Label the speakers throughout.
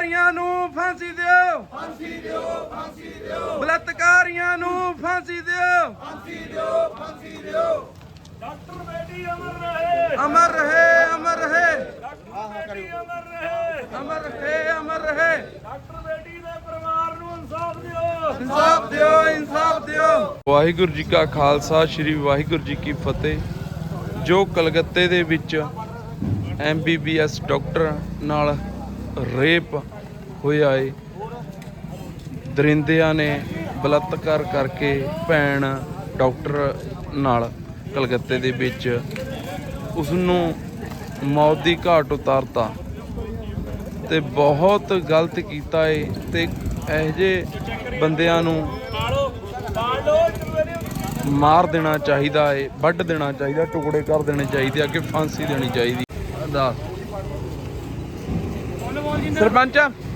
Speaker 1: ਬਲਾਤਕਾਰੀਆਂ ਨੂੰ ਫਾਂਸੀ ਦਿਓ, ਫਾਂਸੀ ਦਿਓ, ਫਾਂਸੀ ਦਿਓ। ਬਲਾਤਕਾਰੀਆਂ ਨੂੰ ਫਾਂਸੀ ਦਿਓ, ਫਾਂਸੀ ਦਿਓ, ਫਾਂਸੀ ਦਿਓ।
Speaker 2: ਡਾਕਟਰ ਬੇਟੀ ਅਮਰ ਰਹੇ,
Speaker 1: ਅਮਰ ਰਹੇ, ਅਮਰ ਰਹੇ,
Speaker 2: ਡਾਕਟਰ ਬੇਟੀ ਅਮਰ ਰਹੇ,
Speaker 1: ਅਮਰ ਰਹੇ, ਅਮਰ ਰਹੇ।
Speaker 2: ਡਾਕਟਰ ਬੇਟੀ ਦੇ ਪਰਿਵਾਰ ਨੂੰ ਇਨਸਾਫ ਦਿਓ,
Speaker 1: ਇਨਸਾਫ ਦਿਓ, ਇਨਸਾਫ ਦਿਓ। ਵਾਹਿਗੁਰੂ ਜੀ ਕਾ ਖਾਲਸਾ, ਸ੍ਰੀ ਵਾਹਿਗੁਰੂ ਜੀ ਕੀ ਫਤਿਹ। ਜੋ ਕਲਕੱਤੇ ਦੇ ਵਿੱਚ MBBS ਡਾਕਟਰ ਨਾਲ ਰੇਪ ਹੋਇਆ ਏ, ਦਰਿੰਦਿਆਂ ਨੇ ਬਲਾਤਕਾਰ ਕਰਕੇ ਭੈਣ ਡਾਕਟਰ ਨਾਲ ਕਲਕੱਤੇ ਦੇ ਵਿੱਚ ਉਸ ਨੂੰ ਮੌਤ ਦੀ ਘਾਟ ਉਤਾਰਤਾ ਤੇ ਬਹੁਤ ਗਲਤ ਕੀਤਾ ਏ। ਤੇ ਇਹੋ ਜਿਹੇ ਬੰਦਿਆਂ ਨੂੰ ਮਾਰ ਦੇਣਾ ਚਾਹੀਦਾ ਏ, ਵੱਢ ਦੇਣਾ ਚਾਹੀਦਾ, ਟੁਕੜੇ ਕਰ ਦੇਣੇ ਚਾਹੀਦੇ, ਅੱਗੇ ਫਾਂਸੀ ਦੇਣੀ ਚਾਹੀਦੀ। ਸਰਪੰਚ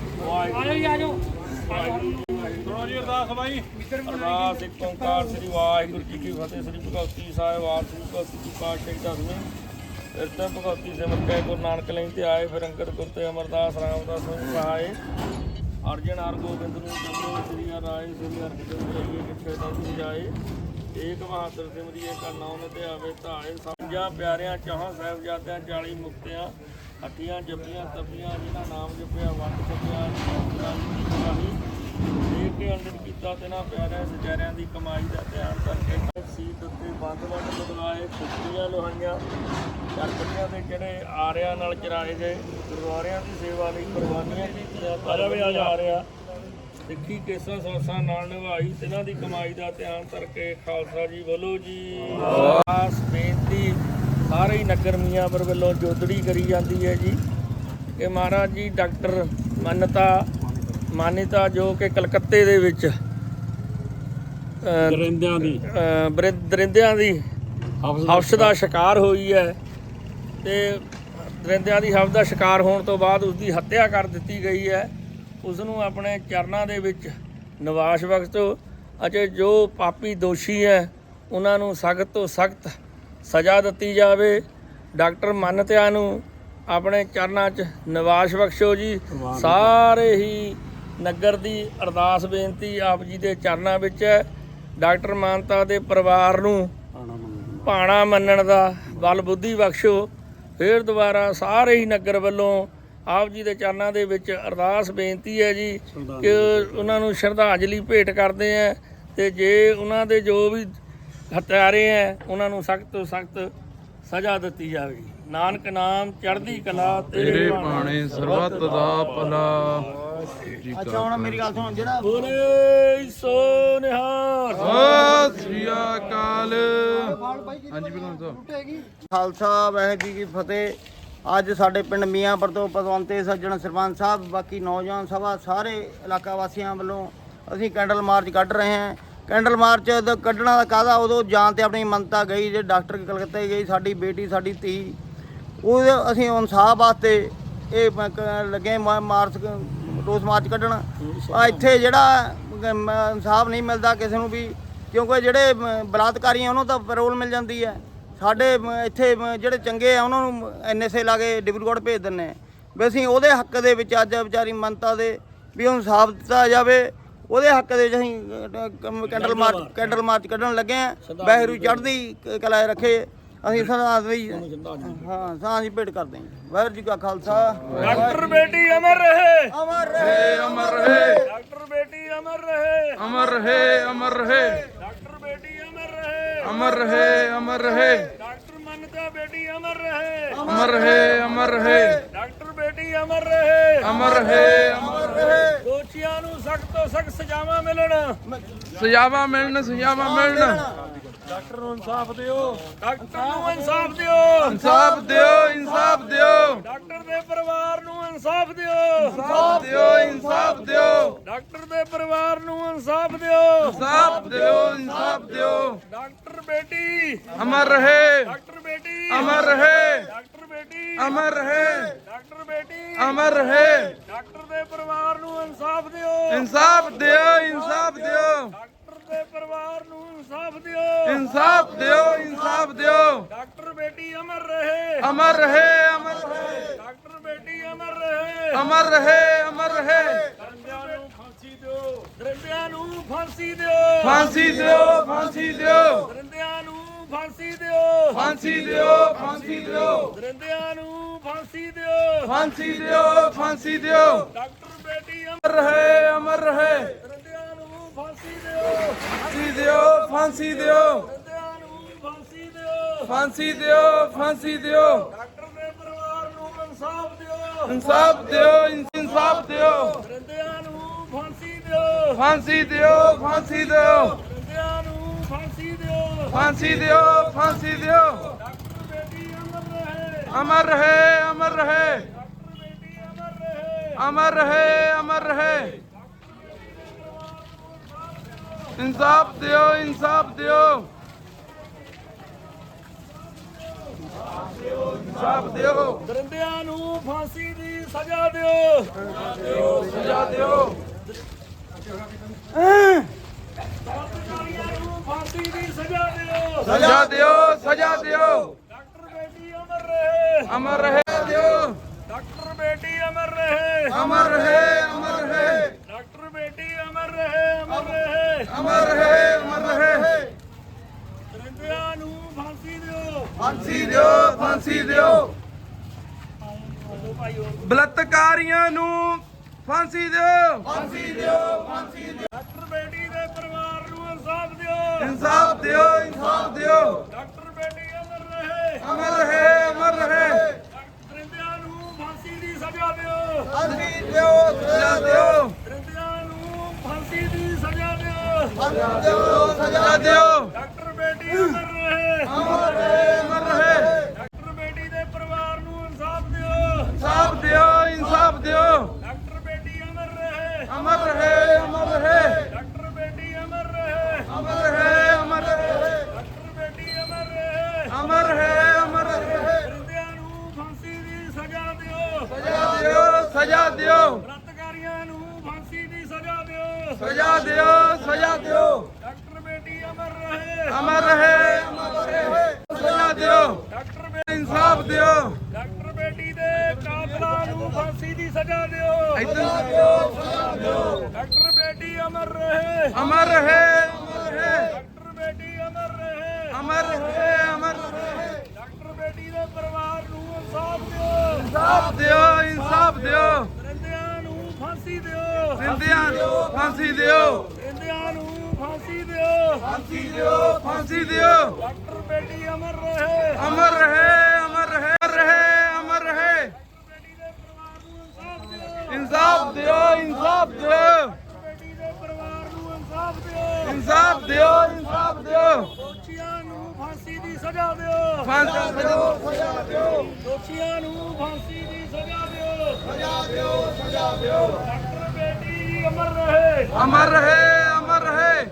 Speaker 2: ਅਰਦਾਸ ਬਾਈ। ਅਰਦਾਸ ਇੱਕ ਓਂਕਾਰ ਸ੍ਰੀ ਵਾਹਿਗੁਰੂ ਜੀ ਕੀ ਫਤਿਹ। ਸ੍ਰੀ ਭਗਵਤੀ ਸਾਹਿਬ ਆਪ ਸ੍ਰੀ ਭਗਵਤੀ ਜੀ ਪਾਤਸ਼ਾਹੀ ਦਸਵੇਂ ਫਿਰ ਤਾਂ ਭਗਵਤੀ ਸਿਮਰ ਕੇ ਗੁਰੂ ਨਾਨਕ ਲਈ ਤੇ ਆਏ, ਫਿਰ ਅੰਗਦ ਗੁਰ ਤੇ ਅਮਰਦਾਸ ਰਾਮਦਾਸ ਨੂੰ ਸਹਾਏ। ਅਰਜਨ ਹਰ ਗੋਬਿੰਦ ਨੂੰ ਜਪੋ, ਸ੍ਰੀ ਰਾਏ ਸ੍ਰੀ ਹਰਿ ਜਾਈਏ ਕਿੱਥੇ ਤੱਕ ਜਾਏ। ਏਕ ਬਹਾਦਰ ਸਿਮਰਿਏ ਕਾ ਨਾਮ ਤੇ ਆਵੇ ਧਾਏ। ਪੰਜਾਂ ਪਿਆਰਿਆਂ ਚਾਹਾਂ ਸਾਹਿਬਜ਼ਾਦਿਆਂ 40 ਮੁਕਤਿਆਂ ਹੱਟੀਆਂ ਜਪੀਆਂ ਤਪੀਆਂ, ਜਿਨ੍ਹਾਂ ਨਾਮ ਜਪਿਆ ਵੰਡ ਛਕਿਆ। ਦੇਖ ਕੇ ਅੰਦਰ ਕੀਤਾ ਤੇ ਨਾ ਪਿਆਰਿਆਂ ਸਚਾਰਿਆਂ ਦੀ ਕਮਾਈ ਦਾ ਧਿਆਨ ਕਰਕੇ ਸੀਤ ਉੱਤੇ ਬੰਦ ਬਦਲਾਏ, ਖੁਸ਼ੀਆਂ ਲੋਹਾਈਆਂ ਚਰਖੜੀਆਂ ਦੇ ਜਿਹੜੇ ਆਰਿਆਂ ਨਾਲ ਚਰਾਏ ਗਏ। ਗੁਰਦੁਆਰਿਆਂ ਦੀ ਸੇਵਾ ਲਈ ਕੁਰਬਾਨੀਆਂ ਕੀਤੀਆਂ, ਆ ਰਿਹਾ ਸਿੱਖੀ ਕੇਸਾਂ ਸਾਸਾਂ ਨਾਲ ਨਿਭਾਈ, ਤਿਨਾਂ ਦੀ ਕਮਾਈ ਦਾ ਧਿਆਨ ਕਰਕੇ ਖਾਲਸਾ ਜੀ ਬੋਲੋ ਜੀ। ਆਸ ਬੇਨਤੀ ਸਾਰੇ ਹੀ ਨਗਰ ਮੀਆਂਪੁਰ ਵੱਲੋਂ ਜੋਦੜੀ ਕਰੀ ਜਾਂਦੀ ਹੈ ਜੀ ਕਿ ਮਹਾਰਾਜ ਜੀ ਡਾਕਟਰ ਮਾਨਿਤਾ ਜੋ ਕਿ ਕਲਕੱਤੇ ਦੇ ਵਿੱਚ ਦਰਿੰਦਿਆਂ ਦੀ ਹਵਸ ਦਾ ਸ਼ਿਕਾਰ ਹੋਈ ਹੈ ਤੇ ਦਰਿੰਦਿਆਂ ਦੀ ਹਵਸ ਦਾ ਸ਼ਿਕਾਰ ਹੋਣ ਤੋਂ ਬਾਅਦ ਉਸ ਦੀ ਹੱਤਿਆ ਕਰ ਦਿੱਤੀ ਗਈ ਹੈ। ਉਸ ਨੂੰ ਆਪਣੇ ਚਰਨਾਂ ਦੇ ਵਿੱਚ ਨਿਵਾਸ ਬਖਸ਼ੋ ਅਤੇ ਜੋ ਪਾਪੀ ਦੋਸ਼ੀ ਹੈ ਉਹਨਾਂ ਨੂੰ ਸਖਤ ਤੋਂ ਸਖਤ ਸਜ਼ਾ ਦਿੱਤੀ ਜਾਵੇ। ਡਾਕਟਰ ਮਾਨਿਤਾ ਨੂੰ ਆਪਣੇ ਚਰਨਾਂ 'ਚ ਨਿਵਾਸ ਬਖਸ਼ੋ ਜੀ। ਸਾਰੇ ਹੀ ਨਗਰ ਦੀ ਅਰਦਾਸ ਬੇਨਤੀ ਆਪ ਜੀ ਦੇ ਚਰਨਾਂ ਵਿੱਚ ਹੈ। ਡਾਕਟਰ ਮਾਨਿਤਾ ਦੇ ਪਰਿਵਾਰ ਨੂੰ ਭਾਣਾ ਮੰਨਣ ਦਾ ਬਲ ਬੁੱਧੀ ਬਖਸ਼ੋ। ਫਿਰ ਦੁਬਾਰਾ ਸਾਰੇ ਹੀ ਨਗਰ ਵੱਲੋਂ ਆਪ ਜੀ ਦੇ ਚਰਨਾਂ ਦੇ ਵਿੱਚ ਅਰਦਾਸ ਬੇਨਤੀ ਹੈ ਜੀ ਕਿ ਉਹਨਾਂ ਨੂੰ ਸ਼ਰਧਾਂਜਲੀ ਭੇਟ ਕਰਦੇ ਹੈ ਤੇ ਜੇ ਉਹਨਾਂ ਦੇ ਜੋ ਵੀ ਹੱਤਿਆਰੇ ਹੈ ਉਹਨਾਂ ਨੂੰ ਸਖਤ ਤੋਂ ਸਖਤ ਸਜ਼ਾ ਦਿੱਤੀ ਜਾਵੇ। ਨਾਨਕ ਨਾਮ ਚੜ੍ਹਦੀ ਕਲਾ
Speaker 1: ਤੇਰੇ ਬਾਣੇ ਸਰਬੱਤ ਦਾ ਭਲਾ।
Speaker 3: ਅੱਛਾ ਹੁਣ ਮੇਰੀ ਗੱਲ ਸੁਣ, ਜਿਹੜਾ
Speaker 2: ਬੋਲੇ ਸੋ ਨਿਹਾਲ
Speaker 1: ਸਤਿ ਸ੍ਰੀ ਅਕਾਲ। ਹਾਂਜੀ ਬਿਲਕੁਲ ਸਾਹਿਬ।
Speaker 3: ਖਾਲਸਾ ਵਾਹਿਗੁਰੂ ਜੀ ਕੀ ਫਤਿਹ। ਅੱਜ ਸਾਡੇ ਪਿੰਡ ਮੀਆਂਪੁਰ ਤੋਂ ਪਤਵੰਤੇ ਸੱਜਣ ਸਰਪੰਚ ਸਾਹਿਬ, ਬਾਕੀ ਨੌਜਵਾਨ ਸਭਾ, ਸਾਰੇ ਇਲਾਕਾ ਵਾਸੀਆਂ ਵੱਲੋਂ ਅਸੀਂ ਕੈਂਡਲ ਮਾਰਚ ਕੱਢ ਰਹੇ ਹਾਂ। ਕੈਂਡਲ ਮਾਰਚ ਕੱਢਣਾ ਦਾ ਕਾਹਦਾ, ਉਦੋਂ ਜਾਨ ਤੇ ਆਪਣੀ ਮੰਨਤਾ ਗਈ ਜੇ ਡਾਕਟਰ ਕਲਕੱਤੇ ਗਈ, ਸਾਡੀ ਬੇਟੀ ਸਾਡੀ ਧੀ, ਉਹ ਅਸੀਂ ਇਨਸਾਫ ਵਾਸਤੇ ਇਹ ਲੱਗੇ ਮਾਰਚ, ਰੋਸ ਮਾਰਚ ਕੱਢਣ। ਇੱਥੇ ਜਿਹੜਾ ਇਨਸਾਫ ਨਹੀਂ ਮਿਲਦਾ ਕਿਸੇ ਨੂੰ ਵੀ, ਕਿਉਂਕਿ ਜਿਹੜੇ ਬਲਾਤਕਾਰੀ ਉਹਨਾਂ ਤਾਂ ਪੈਰੋਲ ਮਿਲ ਜਾਂਦੀ ਹੈ। ਸਾਡੇ ਇੱਥੇ ਜਿਹੜੇ ਚੰਗੇ ਆ ਉਹਨਾਂ ਨੂੰ NSA ਲਾ ਕੇ ਡਿਬਰੂਗੜ੍ਹ ਭੇਜ ਦਿੰਦੇ ਆ। ਵੀ ਅਸੀਂ ਉਹਦੇ ਹੱਕ ਦੇ ਵਿੱਚ ਅੱਜ ਵਿਚਾਰੀ ਮੰਨਤਾ ਦੇ ਵੀ ਉਹਨੂੰ ਇਨਸਾਫ ਦਿੱਤਾ ਜਾਵੇ, ਉਹਦੇ ਹੱਕ ਦੇ ਵਿੱਚ ਅਸੀਂ ਕੈਂਡਲ ਮਾਰਚ ਕੱਢਣ ਲੱਗੇ ਹਾਂ। ਵਾਹਿਗੁਰੂ ਚੜ੍ਹਦੀ ਕਲਾ ਰੱਖੇ। ਅਸੀਂ ਸਾਂ ਦੀ ਭੇਟ ਕਰਦੇ ਹਾਂ। ਵਾਹਿਗੁਰੂ ਜੀ ਕਾ ਖਾਲਸਾ।
Speaker 2: ਡਾਕਟਰ ਬੇਟੀ ਅਮਰ ਰਹੇ,
Speaker 3: ਅਮਰ ਰਹੇ,
Speaker 1: ਅਮਰ ਰਹੇ,
Speaker 2: ਡਾਕਟਰ ਬੇਟੀ ਅਮਰ ਰਹੇ,
Speaker 1: ਅਮਰ ਰਹੇ, ਅਮਰ ਰਹੇ,
Speaker 2: ਡਾਕਟਰ ਬੇਟੀ ਅਮਰ ਰਹੇ,
Speaker 1: ਅਮਰ ਰਹੇ, ਅਮਰ ਰਹੇ,
Speaker 2: ਡਾਕਟਰ ਮਾਨਿਤਾ ਬੇਟੀ ਅਮਰ ਰਹੇ,
Speaker 1: ਅਮਰ ਰਹੇ, ਅਮਰ ਰਹੇ,
Speaker 2: ਡਾਕਟਰ ਬੇਟੀ ਅਮਰ ਰਹੇ,
Speaker 1: ਅਮਰ ਰਹੇ, ਅਮਰ ਰਹੇ।
Speaker 2: ਦੋਸ਼ੀਆਂ ਨੂੰ ਸਖਤ ਤੋਂ ਸਖਤ ਸਜ਼ਾਵਾਂ ਮਿਲਣ,
Speaker 1: ਸਜ਼ਾਵਾਂ ਮਿਲਣ, ਸਜ਼ਾਵਾਂ ਮਿਲਣ।
Speaker 2: ਡਾਕਟਰ ਨੂੰ ਇਨਸਾਫ ਦਿਓ, ਡਾਕਟਰ ਨੂੰ ਇਨਸਾਫ ਦਿਓ,
Speaker 1: ਇਨਸਾਫ ਦਿਓ, ਇਨਸਾਫ ਦਿਓ,
Speaker 2: ਡਾਕਟਰ ਦੇ ਪਰਿਵਾਰ ਨੂੰ ਇਨਸਾਫ ਦਿਓ,
Speaker 1: ਇਨਸਾਫ ਦਿਓ, ਇਨਸਾਫ ਦਿਓ,
Speaker 2: ਡਾਕਟਰ ਦੇ ਪਰਿਵਾਰ ਨੂੰ ਇਨਸਾਫ ਦਿਓ,
Speaker 1: ਇਨਸਾਫ ਦਿਓ, ਇਨਸਾਫ ਦਿਓ।
Speaker 2: ਡਾਕਟਰ ਬੇਟੀ
Speaker 1: ਅਮਰ ਰਹੇ,
Speaker 2: ਡਾਕਟਰ ਬੇਟੀ
Speaker 1: ਅਮਰ ਰਹੇ,
Speaker 2: ਡਾਕਟਰ ਬੇਟੀ
Speaker 1: ਅਮਰ ਰਹੇ,
Speaker 2: ਡਾਕਟਰ ਬੇਟੀ
Speaker 1: ਅਮਰ ਰਹੇ।
Speaker 2: ਡਾਕਟਰ ਦੇ ਪਰਿਵਾਰ ਨੂੰ ਇਨਸਾਫ ਦਿਓ,
Speaker 1: ਇਨਸਾਫ ਦਿਓ, ਇਨਸਾਫ ਦਿਓ,
Speaker 2: ਡਾਕਟਰ ਦੇ ਪਰਿਵਾਰ ਨੂੰ ਇਨਸਾਫ ਦਿਓ,
Speaker 1: ਇਨਸਾਫ ਦਿਓ, ਇਨਸਾਫ ਦਿਓ।
Speaker 2: ਡਾਕਟਰ ਬੇਟੀ ਅਮਰ ਰਹੇ,
Speaker 1: ਅਮਰ ਰਹੇ, ਅਮਰ ਰਹੇ,
Speaker 2: ਡਾਕਟਰ ਬੇਟੀ ਅਮਰ ਰਹੇ
Speaker 1: ਅਮਰ ਰਹੇ ਅਮਰ ਰਹੇ
Speaker 2: ਦਰਿੰਦਿਆਂ ਨੂੰ ਫਾਂਸੀ ਦਿਓ ਦਰਿੰਦਿਆਂ ਨੂੰ ਫਾਂਸੀ ਦਿਓ
Speaker 1: ਫਾਂਸੀ ਦਿਓ ਫਾਂਸੀ ਦਿਓ
Speaker 2: ਦਰਿੰਦਿਆਂ ਨੂੰ ਫਾਂਸੀ ਦਿਓ
Speaker 1: ਫਾਂਸੀ ਦਿਓ ਫਾਂਸੀ ਦਿਓ
Speaker 2: ਦਰਿੰਦਿਆਂ ਨੂੰ ਫਾਂਸੀ ਦਿਓ
Speaker 1: ਫਾਂਸੀ ਦਿਓ ਫਾਂਸੀ ਦਿਓ
Speaker 2: ਡਾਕਟਰ ਬੇਟੀ
Speaker 1: ਅਮਰ ਰਹੇ ਅਮਰ ਰਹੇ
Speaker 2: ਦਰਿੰਦਿਆਂ ਨੂੰ ਫਾਂਸੀ ਦਿਓ
Speaker 1: ਫਾਂਸੀ ਦਿਓ ਫਾਂਸੀ ਦਿਓ
Speaker 2: ਦਰਿੰਦਿਆਂ ਨੂੰ ਫਾਂਸੀ ਦਿਓ
Speaker 1: ਫਾਂਸੀ ਦਿਓ ਫਾਂਸੀ ਦਿਓ
Speaker 2: ਡਾਕਟਰ ਦੇ ਪਰਿਵਾਰ ਨੂੰ ਇਨਸਾਫ ਦਿਓ
Speaker 1: ਇਨਸਾਫ ਦਿਓ ਇਨਸਾਫ ਦਿਓ
Speaker 2: ਦਰਿੰਦਿਆਂ ਨੂੰ ਫਾਂਸੀ ਦਿਓ
Speaker 1: ਫਾਂਸੀ ਦਿਓ ਫਾਂਸੀ ਦਿਓ
Speaker 2: ਦਰਿੰਦਿਆਂ ਨੂੰ ਫਾਂਸੀ ਦਿਓ
Speaker 1: ਫਾਂਸੀ ਦਿਓ ਫਾਂਸੀ ਦਿਓ
Speaker 2: ਡਾਕਟਰ ਬੇਟੀ ਅਮਰ ਰਹੇ
Speaker 1: ਅਮਰ ਰਹੇ ਅਮਰ ਰਹੇ
Speaker 2: ਡਾਕਟਰ ਬੇਟੀ ਅਮਰ ਰਹੇ
Speaker 1: ਅਮਰ ਰਹੇ ਅਮਰ ਰਹੇ ਇਨਸਾਫ ਦਿਓ ਇਨਸਾਫ ਦਿਓ ਇਨਸਾਫ ਦਿਓ
Speaker 2: ਦਰਿੰਦਿਆਂ ਨੂੰ ਫਾਂਸੀ ਦੀ ਸਜ਼ਾ ਦਿਓ
Speaker 1: ਸਜ਼ਾ ਦਿਓ
Speaker 2: ਬਲਾਤਕਾਰੀਆਂ ਨੂੰ ਫਾਂਸੀ ਦੀ ਸਜ਼ਾ ਦਿਓ
Speaker 1: ਸਜ਼ਾ ਦਿਓ ਸਜ਼ਾ ਦਿਓ
Speaker 2: ਡਾਕਟਰ ਬੇਟੀ ਅਮਰ ਰਹੇ
Speaker 1: ਅਮਰ ਰਹੇ ਦਿਓ
Speaker 2: ਡਾਕਟਰ ਬੇਟੀ ਅਮਰ ਰਹੇ
Speaker 1: ਅਮਰ ਰਹੇ ਅਮਰ ਰਹੇ
Speaker 2: ਡਾਕਟਰ ਬੇਟੀ ਅਮਰ ਰਹੇ ਅਮਰ ਰਹੇ
Speaker 1: ਅਮਰ ਰਹੇ ਅਮਰ ਰਹੇ
Speaker 2: ਦਰਿੰਦਿਆਂ ਨੂੰ ਫਾਂਸੀ ਦਿਓ
Speaker 1: ਫਾਂਸੀ ਦਿਓ ਫਾਂਸੀ ਦਿਓ ਬਲਾਤਕਾਰੀਆਂ ਨੂੰ ਫਾਂਸੀ ਦਿਓ ਫਾਂਸੀ ਦਿਓ ਫਾਂਸੀ ਦਿਓ
Speaker 2: ਡਾਕਟਰ ਬੇਟੀ ਦੇ ਪਰਿਵਾਰ ਨੂੰ ਇਨਸਾਫ ਦਿਓ
Speaker 1: ਇਨਸਾਫ ਦਿਓ ਇਨਸਾਫ ਦਿਓ
Speaker 2: ਡਾਕਟਰ ਬੇਟੀ ਅਮਰ ਰਹੇ
Speaker 1: ਅਮਰ ਰਹੇ ਅਮਰ ਰਹੇ
Speaker 2: ਦਰਿੰਦਿਆਂ ਨੂੰ ਫਾਂਸੀ ਦੀ ਸਜ਼ਾ ਦਿਓ
Speaker 1: ਫਾਂਸੀ ਦਿਓ ਸਜ਼ਾ ਦਿਓ
Speaker 2: ਦਰਿੰਦਿਆਂ ਨੂੰ ਫਾਂਸੀ ਦੀ ਸਜ਼ਾ ਦਿਓ
Speaker 1: ਸਜ਼ਾ ਦਿਓ ਸਜ਼ਾ ਦਿਓ
Speaker 2: ਡਾਕਟਰ ਬੇਟੀ ਅਮਰ ਰਹੇ
Speaker 1: ਅਮਰ ਰਹੇ ਅਮਰ ਰਹੇ
Speaker 2: ਡਾਕਟਰ ਬੇਟੀ ਦੇ ਪਰਿਵਾਰ ਨੂੰ ਇਨਸਾਫ ਦਿਓ
Speaker 1: ਇਨਸਾਫ ਦਿਓ ਇਨਸਾਫ ਦਿਓ
Speaker 2: ਡਾਕਟਰ ਬੇਟੀ ਅਮਰ ਰਹੇ
Speaker 1: ਅਮਰ ਰਹੇ ਅਮਰ ਰਹੇ
Speaker 2: ਡਾਕਟਰ ਬੇਟੀ ਅਮਰ ਰਹੇ
Speaker 1: ਅਮਰ ਰਹੇ ਅਮਰ ਰਹੇ
Speaker 2: ਡਾਕਟਰ ਬੇਟੀ ਅਮਰ ਰਹੇ
Speaker 1: ਅਮਰ ਰਹੇ ਅਮਰ ਰਹੇ
Speaker 2: ਦਰਿੰਦਿਆਂ ਨੂੰ ਫਾਂਸੀ ਦੀ ਸਜ਼ਾ ਦਿਓ
Speaker 1: ਸਜ਼ਾ ਦਿਓ ਸਜ਼ਾ ਦਿਓ
Speaker 2: ਬਲਾਤਕਾਰੀਆਂ ਨੂੰ ਫਾਂਸੀ ਦੀ ਸਜ਼ਾ ਦਿਓ
Speaker 1: ਸਜ਼ਾ ਦਿਓ ਸਜ਼ਾ ਦਿਓ
Speaker 2: ਡਾਕਟਰ ਬੇਟੀ ਅਮਰ ਰਹੇ
Speaker 1: ਅਮਰ ਰਹੇ ਅਮਰ ਰਹੇ ਸਜ਼ਾ ਦਿਓ
Speaker 2: ਡਾਕਟਰ
Speaker 1: ਇਨਸਾਫ ਦਿਓ
Speaker 2: ਡਾਕਟਰ ਬੇਟੀ ਦੇ ਕਾਤਲਾਂ ਨੂੰ ਫਾਂਸੀ ਦੀ ਸਜ਼ਾ ਦਿਓ
Speaker 1: ਸਜ਼ਾ ਦਿਓ ਸਜ਼ਾ ਦਿਓ
Speaker 2: ਡਾਕਟਰ ਬੇਟੀ ਅਮਰ ਰਹੇ
Speaker 1: ਅਮਰ ਰਹੇ ਅਮਰ ਰਹੇ
Speaker 2: ਡਾਕਟਰ ਬੇਟੀ ਅਮਰ ਰਹੇ
Speaker 1: ਅਮਰ ਰਹੇ ਅਮਰ ਰਹੇ
Speaker 2: ਡਾਕਟਰ ਬੇਟੀ ਦੇ ਪਰਿਵਾਰ ਨੂੰ ਇਨਸਾਫ ਦਿਓ
Speaker 1: ਇਨਸਾਫ ਦਿਓ ਇਨਸਾਫ ਦਿਓ
Speaker 2: ਦਰਿੰਦਿਆਂ ਨੂੰ ਫਾਂਸੀ ਦਿਓ
Speaker 1: ਜ਼ਿੰਦਿਆਂ ਨੂੰ ਫਾਂਸੀ ਦਿਓ
Speaker 2: ਦਰਿੰਦਿਆਂ ਨੂੰ ਫਾਂਸੀ ਦਿਓ
Speaker 1: ਫਾਂਸੀ ਦਿਓ ਫਾਂਸੀ ਦਿਓ
Speaker 2: ਡਾਕਟਰ ਬੇਟੀ ਅਮਰ ਰਹੇ
Speaker 1: ਅਮਰ ਰਹੇ ਅਮਰ ਰਹੇ ਅਮਰ ਰਹੇ ਅਮਰ ਰਹੇ
Speaker 2: ਬੇਟੀ ਦੇ ਪਰਿਵਾਰ ਨੂੰ ਇਨਸਾਫ ਦਿਓ
Speaker 1: ਇਨਸਾਫ ਦਿਓ ਇਨਸਾਫ ਦਿਓ
Speaker 2: ਬੇਟੀ ਦੇ ਪਰਿਵਾਰ ਨੂੰ ਇਨਸਾਫ ਦਿਓ
Speaker 1: ਇਨਸਾਫ ਦਿਓ ਇਨਸਾਫ ਦਿਓ
Speaker 2: ਦੋਸ਼ੀਆਂ ਨੂੰ ਫਾਂਸੀ ਦੀ ਸਜ਼ਾ ਦਿਓ
Speaker 1: ਫਾਂਸੀ ਦਿਓ ਸਜ਼ਾ ਦਿਓ
Speaker 2: ਦੋਸ਼ੀਆਂ ਨੂੰ ਫਾਂਸੀ ਦੀ ਸਜ਼ਾ ਦਿਓ
Speaker 1: ਸਜ਼ਾ ਦਿਓ ਸਜ਼ਾ ਦਿਓ
Speaker 2: ਡਾਕਟਰ ਬੇਟੀ ਅਮਰ ਰਹੇ
Speaker 1: ਅਮਰ ਰਹੇ ਅਮਰ ਰਹੇ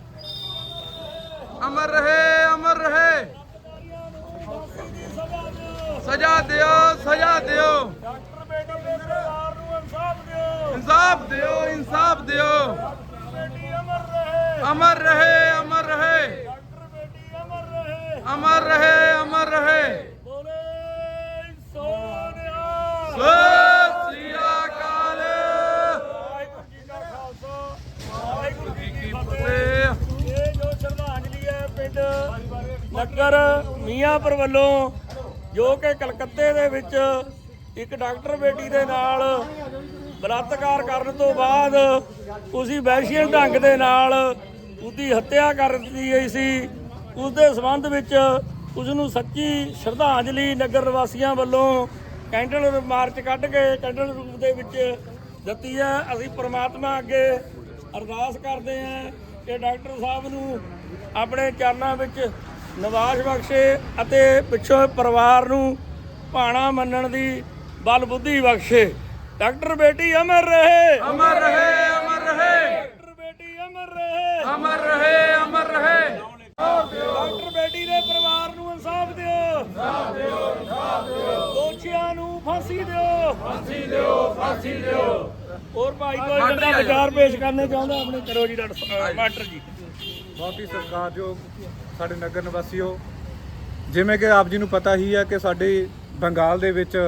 Speaker 1: ਅਮਰ ਰਹੇ ਅਮਰ ਰਹੇ
Speaker 2: ਫਾਂਸੀ ਦੀ ਸਜ਼ਾ ਦਿਓ
Speaker 1: ਸਜ਼ਾ ਦਿਓ ਸਜ਼ਾ ਦਿਓ
Speaker 2: ਡਾਕਟਰ ਬੇਟੀ ਦੇ ਪਰਿਵਾਰ ਨੂੰ ਇਨਸਾਫ ਦਿਓ
Speaker 1: ਇਨਸਾਫ ਦਿਓ ਇਨਸਾਫ ਦਿਓ
Speaker 2: ਡਾਕਟਰ ਬੇਟੀ ਅਮਰ ਰਹੇ
Speaker 1: ਅਮਰ ਰਹੇ ਅਮਰ ਰਹੇ
Speaker 2: ਡਾਕਟਰ ਬੇਟੀ ਅਮਰ ਰਹੇ
Speaker 1: ਅਮਰ ਰਹੇ ਅਮਰ ਰਹੇ
Speaker 2: ਬੋਲੇ ਸੋਨਿਆ
Speaker 1: ਸਤਿ ਸ੍ਰੀ ਅਕਾਲ
Speaker 2: ਵਾਹਿਗੁਰੂ ਜੀ ਕਾ ਖਾਲਸਾ ਵਾਹਿਗੁਰੂ ਜੀ ਕੀ ਫਤਿਹ
Speaker 1: ਤੇ
Speaker 2: ਇਹ ਜੋ ਸ਼ਰਧਾਂਜਲੀ ਹੈ ਪਿੰਡ ਨਗਰ ਮੀਆਂਪੁਰ ਵੱਲੋਂ ਜੋ ਕਿ ਕਲਕੱਤੇ ਦੇ ਵਿੱਚ ਇੱਕ ਡਾਕਟਰ ਬੇਟੀ ਦੇ ਨਾਲ ਬਲਾਤਕਾਰ ਕਰਨ ਤੋਂ ਬਾਅਦ ਉਸੀ ਵਹਿਸ਼ੀਅਤ ਢੰਗ ਦੇ ਨਾਲ ਉਹਦੀ ਹੱਤਿਆ ਕਰ ਦਿੱਤੀ ਗਈ ਸੀ। ਉਸ ਦੇ ਸੰਬੰਧ ਵਿੱਚ ਉਸ ਨੂੰ ਸੱਚੀ ਸ਼ਰਧਾਂਜਲੀ ਨਗਰ ਵਾਸੀਆਂ ਵੱਲੋਂ ਕੈਂਡਲ ਮਾਰਚ ਕੱਢ ਕੇ ਕੈਂਡਲ ਰੂਪ ਦੇ ਵਿੱਚ ਦਿੱਤੀ ਹੈ। ਅਸੀਂ ਪ੍ਰਮਾਤਮਾ ਅੱਗੇ ਅਰਦਾਸ ਕਰਦੇ ਹਾਂ ਕਿ ਡਾਕਟਰ ਸਾਹਿਬ ਨੂੰ ਆਪਣੇ ਚਰਨਾਂ ਵਿੱਚ ਨਿਵਾਸ ਬਖਸ਼ੇ ਅਤੇ ਪਿੱਛੋਂ ਪਰਿਵਾਰ ਨੂੰ ਭਾਣਾ ਮੰਨਣ ਦੀ ਬਲ ਬੁੱਧੀ ਬਖਸ਼ੇ। ਡਾਕਟਰ ਬੇਟੀ ਅਮਰ ਰਹੇ
Speaker 1: ਅਮਰ ਰਹੇ ਅਮਰ ਰਹੇ
Speaker 2: ਡਾਕਟਰ ਬੇਟੀ ਅਮਰ ਰਹੇ
Speaker 1: ਅਮਰ ਰਹੇ ਅਮਰ ਰਹੇ
Speaker 2: ਡਾਕਟਰ ਬੇਟੀ ਦੇ ਪਰਿਵਾਰ ਨੂੰ ਇਨਸਾਫ ਦਿਓ ਦੋਸ਼ੀਆਂ ਨੂੰ ਫਾਂਸੀ ਦਿਓ
Speaker 1: ਫਾਂਸੀ ਦਿਓ
Speaker 2: ਹੋਰ ਭਾਈ ਕੋਈ ਜਿਹੜਾ ਵਿਚਾਰ ਪੇਸ਼ ਕਰਨੇ ਚਾਹੁੰਦਾ ਆਪਣੇ ਕਰੋ ਜੀ ਡਾਕਟਰ ਮਾਸਟਰ ਜੀ।
Speaker 4: ਬਹੁਤ ਹੀ ਸਤਿਕਾਰਯੋਗ ਸਾਡੇ ਨਗਰ ਨਿਵਾਸੀਓ, ਜਿਵੇਂ ਕਿ ਆਪ ਜੀ ਨੂੰ ਪਤਾ ਹੀ ਹੈ ਕਿ ਸਾਡੇ ਬੰਗਾਲ ਦੇ ਵਿੱਚ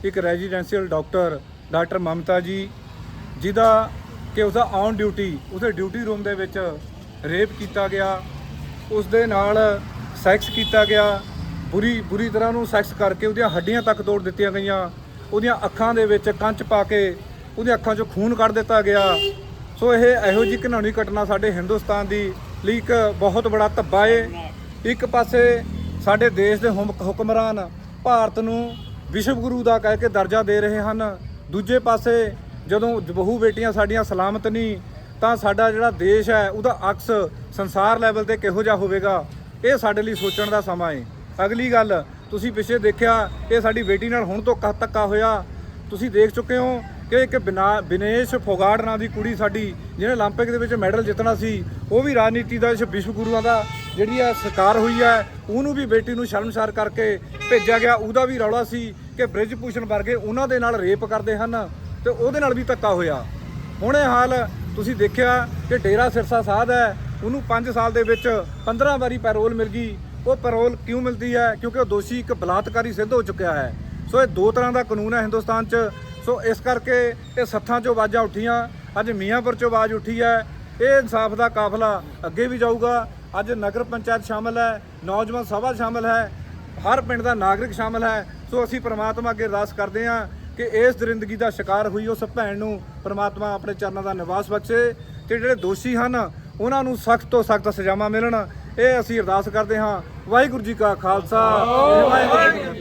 Speaker 4: ਇੱਕ ਰੈਜ਼ੀਡੈਂਸ਼ੀਅਲ ਡਾਕਟਰ ਮਮਤਾ ਜੀ, ਜਿਹਦਾ ਕਿ ਉਸਦਾ ਔਨ ਡਿਊਟੀ ਉਸਦੇ ਡਿਊਟੀ ਰੂਮ ਦੇ ਵਿੱਚ ਰੇਪ ਕੀਤਾ ਗਿਆ, ਉਸ ਦੇ ਨਾਲ ਸੈਕਸ ਕੀਤਾ ਗਿਆ, ਬੁਰੀ ਤਰ੍ਹਾਂ ਨੂੰ ਸੈਕਸ ਕਰਕੇ ਉਹਦੀਆਂ ਹੱਡੀਆਂ ਤੱਕ ਤੋੜ ਦਿੱਤੀਆਂ ਗਈਆਂ, ਉਹਦੀਆਂ ਅੱਖਾਂ ਦੇ ਵਿੱਚ ਕੰਚ ਪਾ ਕੇ ਉਹਦੀਆਂ ਅੱਖਾਂ 'ਚੋਂ ਖੂਨ ਕੱਢ ਦਿੱਤਾ ਗਿਆ। ਸੋ ਇਹ ਇਹੋ ਜਿਹੀ ਘਿਨਾਉਣੀ ਘਟਨਾ ਸਾਡੇ ਹਿੰਦੁਸਤਾਨ ਦੀ ਲਈ ਇੱਕ ਬਹੁਤ ਬੜਾ ਧੱਬਾ ਏ। ਇੱਕ ਪਾਸੇ ਸਾਡੇ ਦੇਸ਼ ਦੇ ਹੁਕਮਰਾਨ ਭਾਰਤ ਨੂੰ ਵਿਸ਼ਵ ਗੁਰੂ ਦਾ ਕਹਿ ਕੇ ਦਰਜਾ ਦੇ ਰਹੇ ਹਨ, ਦੂਜੇ ਪਾਸੇ ਜਦੋਂ ਬਹੂ ਬੇਟੀਆਂ ਸਾਡੀਆਂ ਸਲਾਮਤ ਨਹੀਂ ਤਾਂ ਸਾਡਾ ਜਿਹੜਾ ਦੇਸ਼ ਹੈ ਉਹਦਾ ਅਕਸ ਸੰਸਾਰ ਲੈਵਲ ਤੇ ਕਿਹੋ ਜਿਹਾ ਹੋਵੇਗਾ, ਇਹ ਸਾਡੇ ਲਈ ਸੋਚਣ ਦਾ ਸਮਾਂ ਏ। ਅਗਲੀ ਗੱਲ, ਤੁਸੀਂ ਪਿੱਛੇ ਦੇਖਿਆ ਇਹ ਸਾਡੀ ਬੇਟੀ ਨਾਲ ਹੁਣ ਤੋਂ ਧੱਕਾ ਹੋਇਆ। ਤੁਸੀਂ ਦੇਖ ਚੁੱਕੇ ਹੋ ਕਿ ਇੱਕ ਬਿਨੇਸ਼ ਫੋਗਾਟ ਨਾਂ ਦੀ ਕੁੜੀ ਸਾਡੀ ਜਿਹਨੇ 올림픽 ਦੇ ਵਿੱਚ ਮੈਡਲ ਜਿੱਤਣਾ ਸੀ, ਉਹ ਵੀ ਰਾਜਨੀਤੀ ਦਾ ਵਿਸ਼ਵ ਗੁਰੂਆਂ ਦਾ ਜਿਹੜੀ ਹੈ ਸ਼ਿਕਾਰ ਹੋਈ ਹੈ। ਉਹਨੂੰ ਵੀ ਬੇਟੀ ਨੂੰ ਸ਼ਰਮਸਾਰ ਕਰਕੇ ਭੇਜਿਆ ਗਿਆ। ਉਹਦਾ ਵੀ ਰੌਲਾ ਸੀ ਕਿ ਬ੍ਰਿਜ ਭੂਸ਼ਣ ਵਰਗੇ ਉਹਨਾਂ ਦੇ ਨਾਲ ਰੇਪ ਕਰਦੇ ਹਨ ਤੇ ਉਹਦੇ ਨਾਲ ਵੀ ਧੱਕਾ ਹੋਇਆ। ਹੁਣ ਇਹ ਹਾਲ ਤੁਸੀਂ ਦੇਖਿਆ ਕਿ ਡੇਰਾ ਸਿਰਸਾ ਸਾਧ ਹੈ, ਉਹਨੂੰ 5 ਸਾਲ ਦੇ ਵਿੱਚ 15 ਵਾਰੀ ਪੈਰੋਲ ਮਿਲ ਗਈ। ਉਹ ਪੈਰੋਲ ਕਿਉਂ ਮਿਲਦੀ ਹੈ? ਕਿਉਂਕਿ ਉਹ ਦੋਸ਼ੀ ਇੱਕ ਬਲਾਤਕਾਰੀ ਸਿੱਧ ਹੋ ਚੁੱਕਿਆ ਹੈ। ਸੋ ਇਹ 2 ਤਰ੍ਹਾਂ ਦਾ ਕਾਨੂੰਨ ਹੈ ਹਿੰਦੁਸਤਾਨ 'ਚ। ਸੋ ਇਸ ਕਰਕੇ ਇਹ ਸੱਥਾਂ 'ਚੋਂ ਆਵਾਜ਼ਾਂ ਉੱਠੀਆਂ, ਅੱਜ ਮੀਆਂਪੁਰ 'ਚੋਂ ਆਵਾਜ਼ ਉੱਠੀ ਹੈ। ਇਹ ਇਨਸਾਫ ਦਾ ਕਾਫਲਾ ਅੱਗੇ ਵੀ ਜਾਊਗਾ। ਅੱਜ ਨਗਰ ਪੰਚਾਇਤ ਸ਼ਾਮਲ ਹੈ, ਨੌਜਵਾਨ ਸਭਾ ਸ਼ਾਮਲ ਹੈ, ਹਰ ਪਿੰਡ ਦਾ ਨਾਗਰਿਕ ਸ਼ਾਮਲ ਹੈ। ਸੋ ਅਸੀਂ ਪ੍ਰਮਾਤਮਾ ਅੱਗੇ ਅਰਦਾਸ ਕਰਦੇ ਹਾਂ ਕਿ ਇਸ ਦਰਿੰਦਗੀ ਦਾ ਸ਼ਿਕਾਰ ਹੋਈ ਉਸ ਭੈਣ ਨੂੰ ਪ੍ਰਮਾਤਮਾ ਆਪਣੇ ਚਰਨਾਂ ਦਾ ਨਿਵਾਸ ਬਖਸ਼ੇ ਤੇ ਜਿਹੜੇ ਦੋਸ਼ੀ ਹਨ ਉਹਨਾਂ ਨੂੰ ਸਖਤ ਤੋਂ ਸਖਤ ਸਜ਼ਾਵਾਂ ਮਿਲਣ, ਇਹ ਅਸੀਂ ਅਰਦਾਸ ਕਰਦੇ ਹਾਂ। ਵਾਹਿਗੁਰੂ ਜੀ ਕਾ ਖਾਲਸਾ, ਵਾਹਿਗੁਰੂ ਜੀ ਕੀ ਫਤਿਹ।